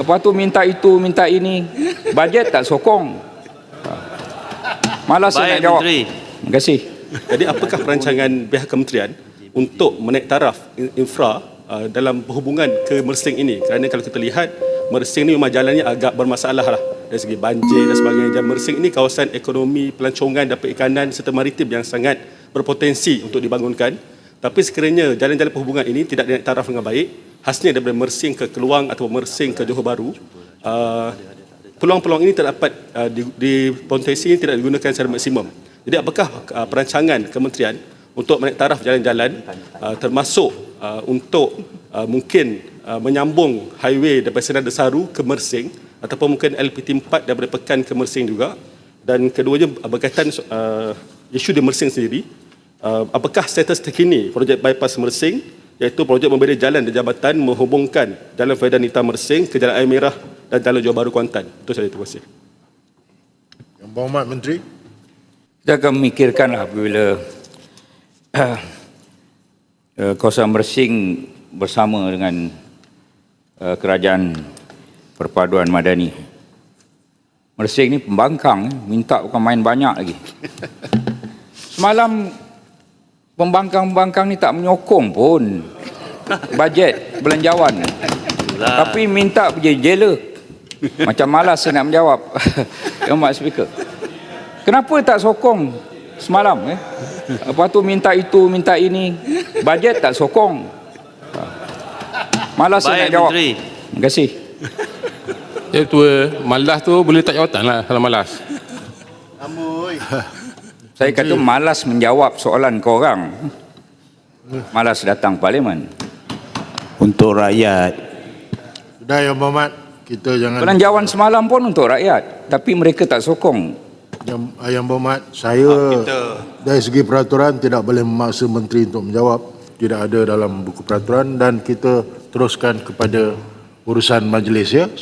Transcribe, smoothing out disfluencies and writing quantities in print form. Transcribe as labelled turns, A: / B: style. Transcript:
A: Lepas tu minta itu, minta ini. Bajet tak sokong. Malas saya nak jawab.
B: Menteri.
A: Terima kasih.
C: Jadi apakah perancangan pihak kementerian untuk menaik taraf infra dalam berhubungan ke Mersing ini? Kerana kalau kita lihat, Mersing ni memang jalannya agak bermasalah lah dari segi banjir dan sebagainya. Dan Mersing ini kawasan ekonomi, pelancongan dan perikanan serta maritim yang sangat berpotensi untuk dibangunkan. Tapi sekiranya jalan-jalan perhubungan ini tidak dinaik taraf dengan baik, khasnya daripada Mersing ke Keluang atau Mersing ke Johor Bahru, peluang-peluang ini tak dapat potensi ini tidak digunakan secara maksimum. Jadi apakah perancangan kementerian untuk menaik taraf jalan-jalan termasuk untuk mungkin menyambung highway daripada Sendang Desaru ke Mersing ataupun mungkin LPT4 daripada Pekan ke Mersing juga, dan keduanya berkaitan isu di Mersing sendiri. Apakah status terkini projek bypass Mersing, iaitu projek memberi jalan dan jabatan menghubungkan Jalan Faidan Nita Mersing ke Jalan Air Merah dan Jalan Johor Bahru Kuantan? Itu saja, terima kasih.
D: Yang Berhormat Menteri.
A: Kita akan memikirkanlah apabila kawasan Mersing bersama dengan Kerajaan Perpaduan Madani. Mersing ni pembangkang, minta bukan main banyak lagi. Semalam pembangkang-pembangkang ni tak menyokong pun bajet belanjawan. Tapi minta pergi jela. Macam malas saya nak menjawab. Yang Mak Speaker. Kenapa tak sokong semalam? Lepas tu minta itu, minta ini. Bajet tak sokong. Malas saya nak jawab.
B: Menteri.
A: Terima kasih.
E: Ya tua, malas tu boleh tak jawatan lah kalau malas.
A: Saya kata malas menjawab soalan korang. Malas datang parlimen.
F: Untuk rakyat.
D: Sudah Yang Berhormat, kita jangan...
A: Belanjawan semalam pun untuk rakyat. Tapi mereka tak sokong.
D: Yang Berhormat, saya dari segi peraturan tidak boleh memaksa menteri untuk menjawab. Tidak ada dalam buku peraturan, dan kita teruskan kepada urusan majlis, ya.